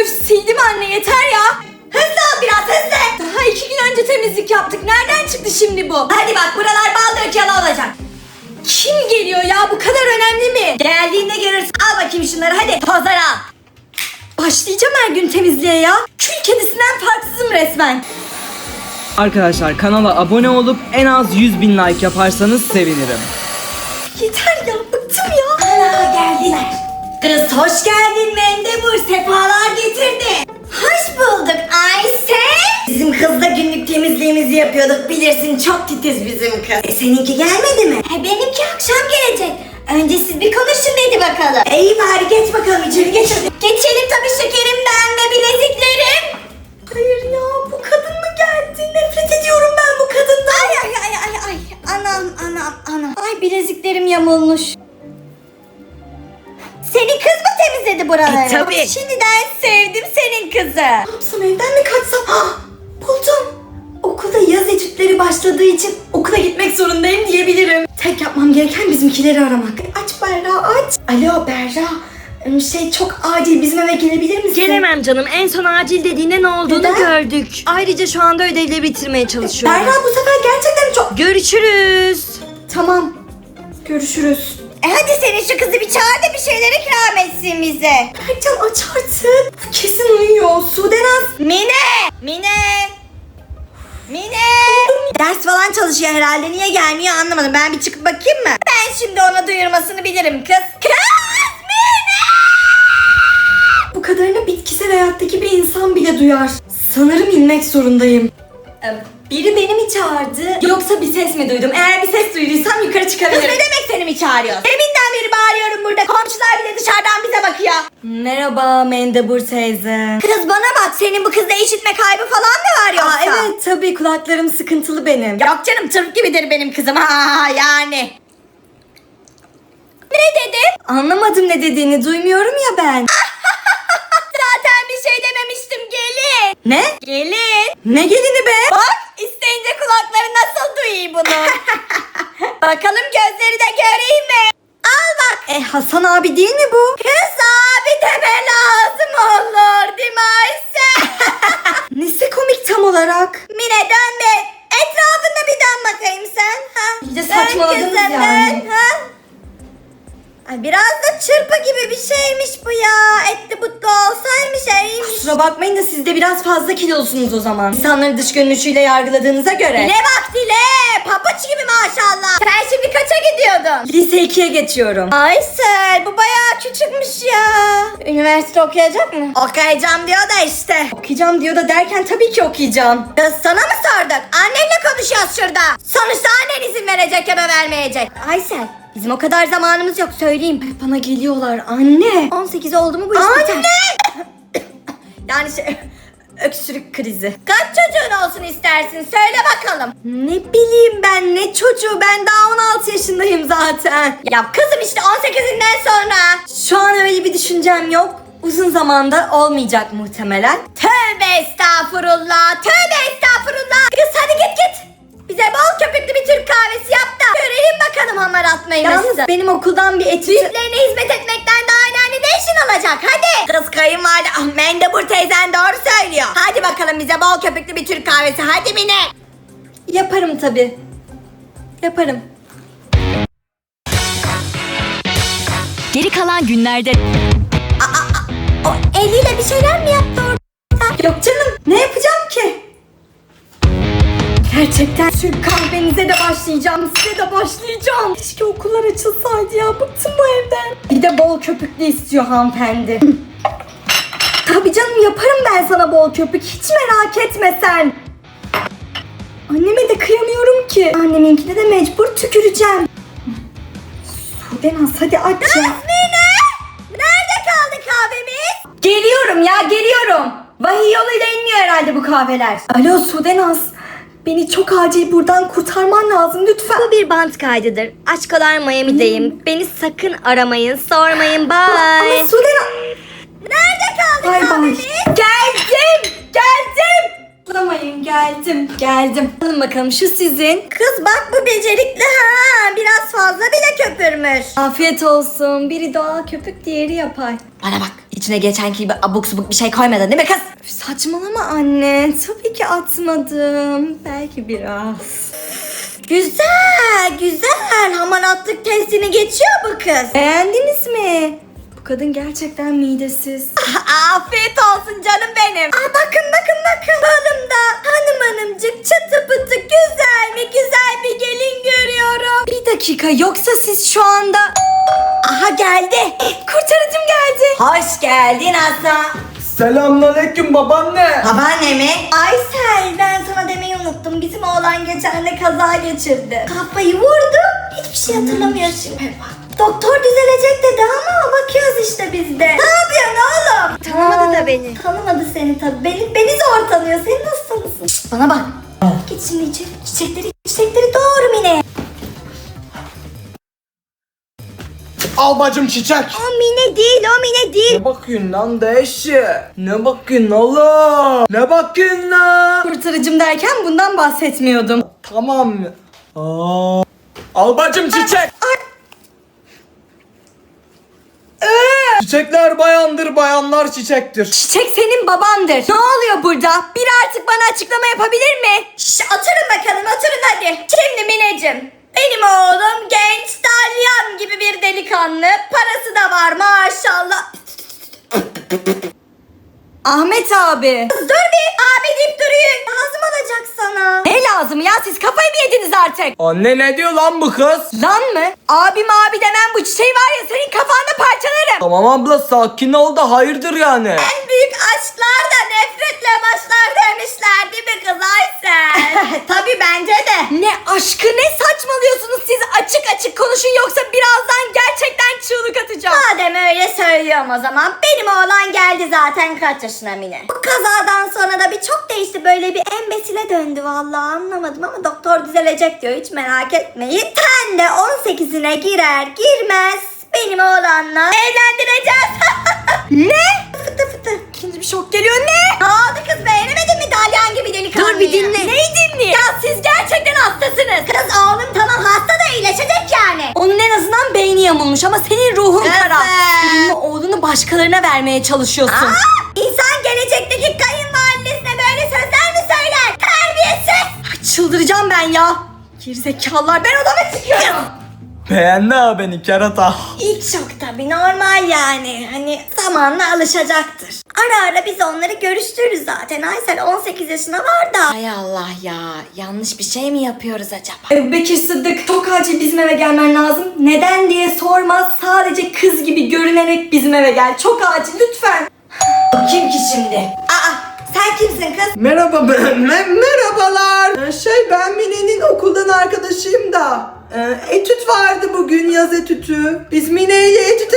Öf, sildim anne, yeter ya. Hızlı ol biraz, hızlı. Daha 2 gün önce temizlik yaptık. Nereden çıktı şimdi bu? Hadi bak, buralar bal dökeli olacak. Kim geliyor ya? Bu kadar önemli mi? Geldiğinde görürsün. Al bakayım şunları, hadi. Tozları al. Başlayacağım her gün temizliğe ya. Kül kedisinden farksızım resmen. Arkadaşlar kanala abone olup en az 100.000 like yaparsanız sevinirim. Yeter ya, bıktım ya. Ana, geldiler. Kız hoş geldin Mendebur, sefalar getirdi. Hoş bulduk Ayşe. Bizim kızla günlük temizliğimizi yapıyorduk, bilirsin çok titiz bizim kız. Seninki gelmedi mi? Benimki akşam gelecek. Önce siz bir konuşun dedi bakalım. İyi bari, geç bakalım içeri, geç hadi. Geçelim tabii şekerim, ben de bileziklerim. Hayır ya, bu kadın mı geldi? Nefret ediyorum ben bu kadından. Ay. Anam. Ay, bileziklerim yamulmuş. Senin kız mı temizledi buraları? Tabii. Şimdiden sevdim senin kızı. Ne yapsam, evden mi kaçsam? Buldum. Okulda yaz etütleri başladığı için okula gitmek zorundayım diyebilirim. Tek yapmam gereken bizimkileri aramak. Aç Berra, aç. Alo Berra. Çok acil, bizim eve gelebilir misin? Gelemem canım. En son acil dediğinde ne olduğunu Neden? gördük. Ayrıca şu anda ödevleri bitirmeye çalışıyorum. Berra, bu sefer gerçekten çok... Görüşürüz. Tamam. Görüşürüz. Hadi senin şu kızı bir çağır da bir şeyler ikram etsin bize. Berkcan, aç artık. Bu kesin uyuyor. Sudenaz. Mine. Ders falan çalışıyor herhalde. Niye gelmiyor anlamadım. Ben bir çıkıp bakayım mı? Ben şimdi ona duyurmasını bilirim kız. Mine! Bu kadarını bitkisel hayattaki bir insan bile duyar. Sanırım inmek zorundayım. Biri beni mi çağırdı, yoksa bir ses mi duydum? Eğer bir ses duyduysam yukarı çıkabilirim. Kız, ne demek seni mi çağırıyor? Deminden beri bağırıyorum burada. Komşular bile dışarıdan bize bakıyor. Merhaba Mendebur teyze. Kız bana bak, senin bu kızda işitme kaybı falan mı var yoksa? Evet tabii, kulaklarım sıkıntılı benim. Yok canım, tırp gibidir benim kızım. Yani. Ne dedin? Anlamadım ne dediğini, duymuyorum ya ben. Zaten bir şey dememiştim, gelin. Ne? Gelin. Ne gelini be? Bak, isteyince kulakları nasıl duyuyor bunu. Bakalım gözleri de göreyim mi? Al bak. Hasan abi değil mi bu? Kız abi deme lazım olur değil mi Ayşe? Nesi komik tam olarak? Mine, dön be. Etrafında bir dön bakayım sen. İyice saçmaladınız yani. Ay, biraz da çırpı gibi bir şeymiş bu ya. Etli butlu olsaymış iyiymiş. Kusura bakmayın da siz de biraz fazla kilolusunuz o zaman. İnsanları dış görünüşüyle yargıladığınıza göre. Dile bak dile. Papuç gibi maşallah. Sen şimdi kaça gidiyordun? Lise 2'ye geçiyorum. Aysel, bu bayağı küçükmüş ya. Üniversite okuyacak mı? Okuyacağım diyor da işte. Okuyacağım diyor da derken tabii ki okuyacağım. Kız, sana mı sorduk? Annenle konuşuyoruz şurada. Sonuçta annen izin verecek ya da vermeyecek. Aysel, bizim o kadar zamanımız yok, söyleyeyim. Bana geliyorlar anne. 18 oldu mu bu iş biter. Anne! Yani öksürük krizi. Kaç çocuğun olsun istersin, söyle bakalım. Ne bileyim ben, ne çocuğu, ben daha 16 yaşındayım zaten. Ya kızım, işte 18'inden sonra. Şu an öyle bir düşüncem yok. Uzun zamanda olmayacak muhtemelen. Tövbe estağfurullah, tövbe estağfurullah. Kız hadi git. Bize bol köpüklü bir Türk kahvesi yap da görelim bakalım hamar atmayı. Yalnız benim okuldan bir etüt... Büyüklerine hizmet etmekten daha önemli ne işin olacak, hadi. Kız, kayınvalide Mendebur teyzen doğru söylüyor. Hadi bakalım bize bol köpüklü bir Türk kahvesi, hadi Mine. Yaparım tabii. Yaparım. Geri kalan günlerde... O eliyle bir şeyler mi yaptı orada? Yok canım, ne yapacağım ki? Gerçekten Türk kahvenize de başlayacağım, size de başlayacağım. Keşke okullar açılsaydı ya, bıktım bu evden. Bir de bol köpüklü istiyor hanımefendi. Tabii canım, yaparım ben sana bol köpük, hiç merak etme sen. Anneme de kıyamıyorum ki. Anneminkine de mecbur tüküreceğim. Sudenaz, hadi aç ya. Mine! Nerede kaldı kahvemiz? Geliyorum ya, geliyorum. Vahiy yoluyla inmiyor herhalde bu kahveler. Alo Sudenaz. Beni çok acil buradan kurtarman lazım lütfen. Bu bir bant kaydıdır. Aşkolar Miami'deyim. Beni sakın aramayın, sormayın. Bye. Ama Sudenaz... Nerede kaldı kahvemiz? Geldim. Bulamayın, geldim. Alın bakalım, şu sizin. Kız bak, bu becerikli ha. Biraz fazla bile köpürmüş. Afiyet olsun. Biri doğal köpük, diğeri yapay. Bana bak, İçine geçenki gibi abuk subuk bir şey koymadın değil mi kız? Üf, saçmalama anne. Tabii ki atmadım. Belki biraz. Güzel, güzel. Hamaratlık testini geçiyor bu kız. Beğendiniz mi? Bu kadın gerçekten midesiz. Afiyet olsun canım benim. Bakın. Balımda hanımcık çıtı pıtı güzel mi güzel bir gelin görüyorum. Bir dakika, yoksa siz şu anda... Aha geldi. Kurtarıcım geldi. Hoş geldin Hasan. Selamünaleyküm babaanne. Babaanne mi? Aysel, ben sana demeyi unuttum. Bizim oğlan geçen de kaza geçirdi. Kafayı vurdu. Hiçbir şey hatırlamıyor şimdi. Doktor düzelecek dedi ama bakıyoruz işte biz de. Ne yapıyorsun oğlum? Tanımadı da beni. Tanımadı seni tabii. Beni zor tanıyor. Sen nasıl tanısın? Şşt, bana bak. Git şimdi içeri. Çiçekleri doğru Mine. Al bacım çiçek. O Mine değil, o Mine değil. Ne bakıyorsun lan deşi? Ne bakıyorsun oğlum? Ne bakıyorsun lan? Kurtarıcım derken bundan bahsetmiyordum. Tamam mı? Al bacım çiçek. Çiçekler bayandır, bayanlar çiçektir. Çiçek senin babandır. Ne oluyor burada? Biri artık bana açıklama yapabilir mi? Oturun bakalım, oturun hadi. Şimdi Mineciğim, benim oğlum genç dalyan gibi bir delikanlı. Parası da var maşallah. Ahmet abi. Dur bir, abi deyip duruyor. Lazım olacak sana. Ne lazım ya, siz kafayı mı yediniz artık? Anne ne diyor lan bu kız? Lan mı? Abim abi demem, bu çiçeği var ya senin kafanda parçalarım. Tamam abla sakin ol da hayırdır yani. En büyük aşklar da nefretle başlar demişler değil mi kız Aysel? Tabii bence de. Ne aşkı, ne saçmalıyorsunuz siz? Açık açık konuşun yoksa birazdan gerçekten çığlık atacağım. Madem öyle söylüyorum o zaman. Benim oğlan geldi zaten kaç yaşına Mine. Bu kazadan sonra da bir çok değişti, böyle bir embesile döndü vallahi, anlamadım ama doktor düzelecek diyor, hiç merak etmeyin. Ten de 18'ine girer girmez benim oğlanla evlendireceğiz. Ne? Fıtı fıtı. İkinci bir şok geliyor. Ne oldu kız, beğenemedin mi dalyan gibi delikanlıyı? Dur bir dinle. Neyi dinle? Ya siz gerçekten hastasınız. Kız oğlum tamam hasta da iyileşecek yani. Onun en azından beyni yamulmuş ama senin ruhun kara. Senin oğlunu başkalarına vermeye çalışıyorsun. İnsan gelecekteki kayınvalidesine böyle sözler mi söyler? Terbiyesiz. Çıldıracağım ben ya. Gerizekalılar, ben odama çıkıyorum. Beğendi ha beni kerata. İlk şok tabii, normal yani. Hani zamanla alışacaktır. Ara ara biz onları görüştürürüz zaten. Aysel 18 yaşına var da. Hay Allah ya. Yanlış bir şey mi yapıyoruz acaba? Bekir Sıddık, çok acil bizim eve gelmen lazım. Neden diye sormaz. Sadece kız gibi görünerek bizim eve gel. Çok acil lütfen. Kim ki şimdi? Sen kimsin kız? Merhaba merhabalar. Ben Mine'nin okuldan arkadaşıyım da. Etüt vardı bugün, yaz etütü. Biz Mine ile etüte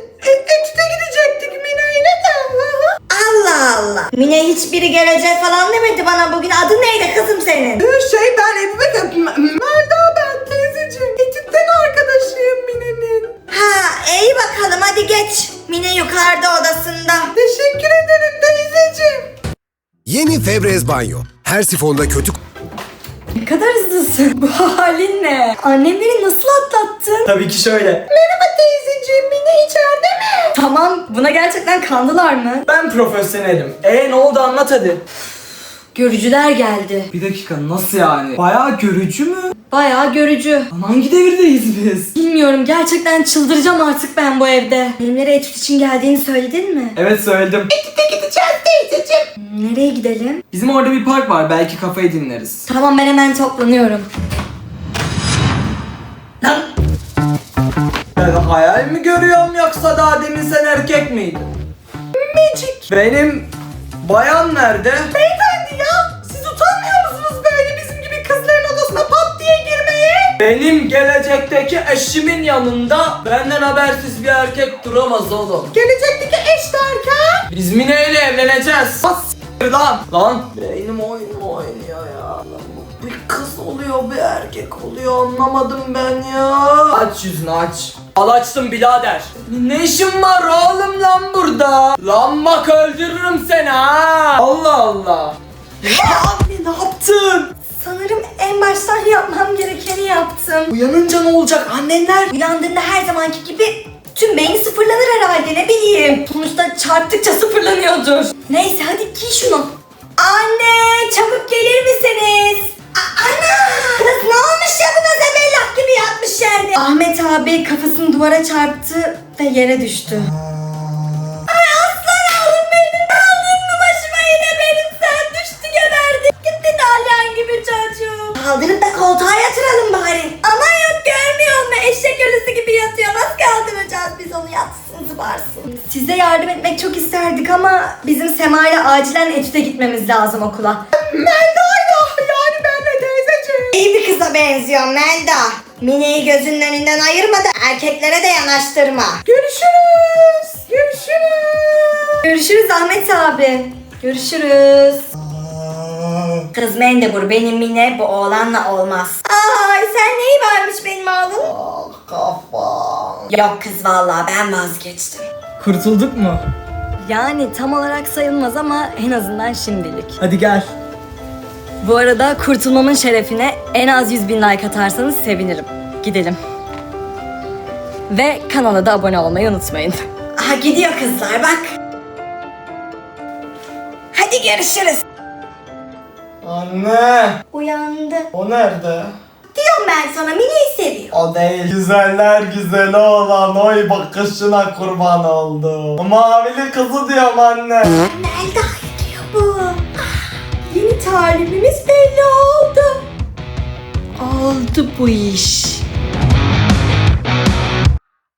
gidecektik Mine'yle de. Allah Allah. Mine hiçbiri gelecek falan demedi bana bugün. Adın neydi kızım senin? Ben Ebu Bekir. Melda ben teyzeciğim. Etütten arkadaşıyım Mine'nin. İyi bakalım hadi geç. Mine yukarıda odasında. Teşekkür ederim teyzeciğim. Yeni Febreze Banyo. Her sifonda kötü Ne kadar hızlısın. Bu halin ne? Annem beni nasıl atlattın? Tabii ki şöyle. Merhaba teyzeciğim, Mine içeride mi? Tamam, buna gerçekten kandılar mı? Ben profesyonelim. Ne oldu anlat hadi. Görücüler geldi. Bir dakika nasıl yani? Bayağı görücü mü? Bayağı görücü. Hangi devirdeyiz biz? Bilmiyorum, gerçekten çıldıracağım artık ben bu evde. Benimlere etüt için geldiğini söyledin mi? Evet söyledim. Nereye gidelim? Bizim orada bir park var, belki kafayı dinleriz. Tamam, ben hemen toplanıyorum. Lan! Ben hayal mi görüyorum yoksa daha demin sen erkek miydin? Magic. Benim bayan nerede? Beyefendi ya, siz utanmıyor musunuz böyle bizim gibi kızların odasına pat diye girmeye? Benim gelecekteki eşimin yanında benden habersiz bir erkek duramaz oğlum. Gelecekteki eş derken? Biz Mine ile evleneceğiz. Bas lan. Lan. Beynim oynuyor ya. Bir kız oluyor bir erkek oluyor, anlamadım ben ya. Aç yüzünü aç. Al açtım birader. Ne işin var oğlum lan burada? Lan bak öldürürüm seni ha. Allah Allah. Abi ne yaptın? Sanırım en baştan yapmam gerekeni yaptım. Uyanınca ne olacak annenler? Uyandığında her zamanki gibi tüm beyni sıfırlanır herhalde, ne bileyim. Sonuçta çarptıkça sıfırlanıyordur. Neyse hadi giy şunu. Anne çabuk gelir misiniz? Ana! Kız ne olmuş ya buna, zebellak gibi yatmış yerde. Ahmet abi kafasını duvara çarptı ve yere düştü. Ay aslan oğlum benim. Aldın mı başıma yine benim, sen düştü geberdi. Gitti dalyan gibi çocuğum. Kaldırıp da koltuğa yatıralım bari. Ama yok görmüyor musun? Eşek ölüsü gibi yatıyor. Nasıl kaldıracağız biz onu, yatsın zıbarsın. Size yardım etmek çok isterdik ama bizim Sema ile acilen etüde gitmemiz lazım okula. Melda'yla yani benle teyzeciğim. İyi bir kıza benziyor Melda. Mine'yi gözünün önünden ayırma da erkeklere de yanaştırma. Görüşürüz. Görüşürüz. Görüşürüz Ahmet abi. Görüşürüz. Kız Mendebur, benim Mine bu oğlanla olmaz. Ay sen neyi varmış benim oğlum? Kafam. Yok kız vallahi ben vazgeçtim. Kurtulduk mu? Yani tam olarak sayılmaz ama en azından şimdilik. Hadi gel. Bu arada kurtulmamın şerefine en az 100.000 like atarsanız sevinirim. Gidelim. Ve kanala da abone olmayı unutmayın. Aha gidiyor kızlar bak. Hadi görüşürüz. Anne. Uyandı. O nerede? Diyorum ben sana, Mine'yi seviyor. O değil. Güzeller güzeli olan oy bakışına kurban oldum. Mavili kızı diyorum anne. Melda diyor bu. Yeni talibimiz belli oldu. Oldu bu iş.